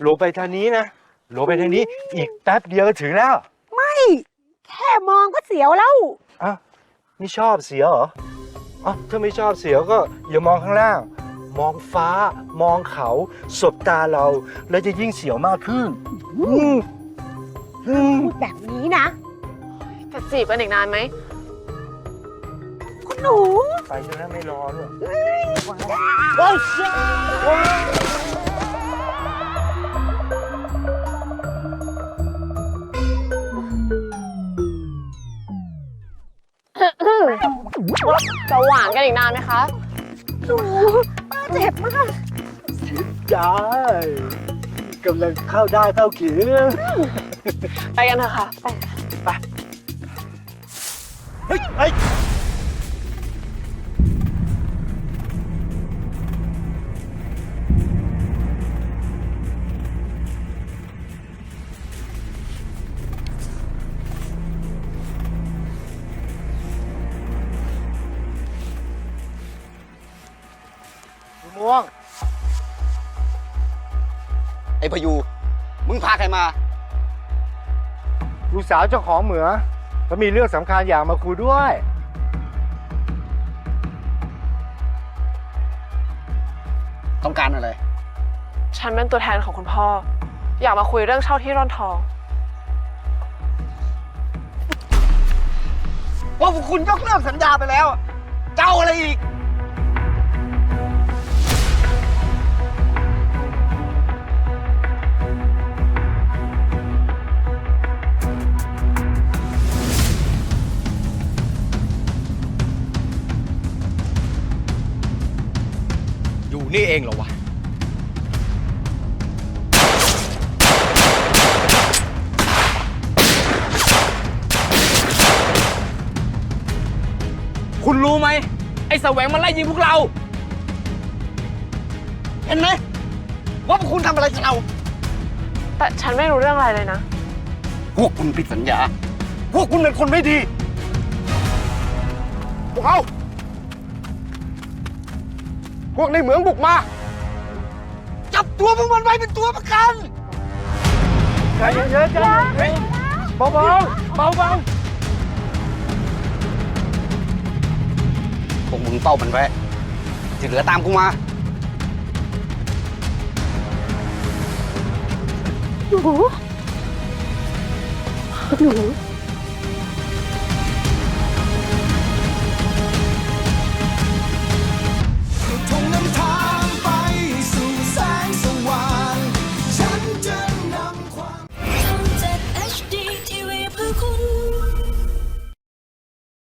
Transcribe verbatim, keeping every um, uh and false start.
ลงไปทางนี้นะลงไปทางนี้อีกแป๊บเดียวก็ถึงแล้วไม่แค่มองก็เสียวแล้วอ้าวไม่ชอบเสียวเหรออ๋อถ้าไม่ชอบเสียวก็อย่ามองข้างล่างมองฟ้ามองเขาสบตาเราแล้วจะยิ่งเสียวมากขึ้นอืมอืมพูดแบบนี้นะจะจีบกันอีกนานไหมคุณหนูไปจนนั้นไม่รอด้วยโอ้ยจะหวานกันอีกนานไหมคะหนูป้าเจ็บมากจ้ายกำลังเข้าได้เข้าเขียไปกันเถอะค่ะ ไปไปเฮ้ยเฮ้ยม่วงไอ้พยู มึงพาใครมาลูกสาวเจ้าของเหมือเขามีเรื่องสำคัญอยากมาคุยด้วยต้องการอะไรฉันเป็นตัวแทนของคุณพ่อ อยากมาคุยเรื่องเช่าที่ร่อนทองว่าพวกคุณยกเลิกสัญญาไปแล้ว เจ้าอะไรอีกอยู่นี่เองเหรอวะ คุณรู้ไหม ไอ้แสวงมันไล่ยิงพวกเราเห็นไหมว่าพวกคุณทำอะไรกับเราแต่ฉันไม่รู้เรื่องอะไรเลยนะพวกคุณผิดสัญญา พวกคุณเป็นคนไม่ดี พวกเขา พวกในเหมืองบุกมา จับตัวพวกมันไว้เป็นตัวประกันใจเย็นๆใจเย็นๆเบาๆเบาพวกมึงเป้ามันไว้ที่เหลือตามกูมาหนูหนู